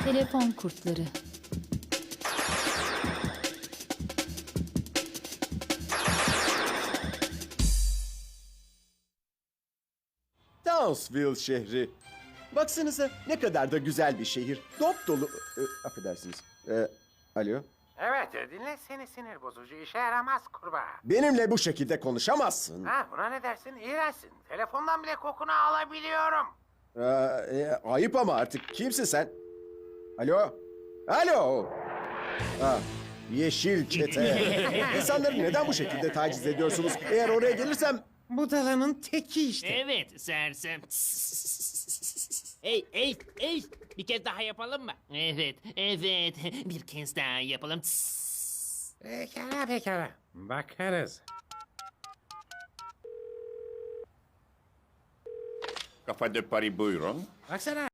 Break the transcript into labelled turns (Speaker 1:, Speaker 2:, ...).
Speaker 1: Telefon kurtları.
Speaker 2: Townsville şehri. Baksanıza ne kadar da güzel bir şehir. Dop dolu... affedersiniz. Alo?
Speaker 3: Evet, dinle seni sinir bozucu işe yaramaz kurbağa.
Speaker 2: Benimle bu şekilde konuşamazsın.
Speaker 3: Ha, buna ne dersin? İğrençsin. Telefondan bile kokunu alabiliyorum.
Speaker 2: Ayıp ama artık. Kimsin sen? Alo? Alo? Yeşil çete. İnsanları neden bu şekilde taciz ediyorsunuz? Eğer oraya gelirsem...
Speaker 3: Budalanın teki işte.
Speaker 4: Evet sersem. Hey, bir kez daha yapalım mı? Evet, bir kez daha yapalım.
Speaker 3: Pekala. Bakarız.
Speaker 5: Kafa de Paris buyurun.
Speaker 3: Baksana.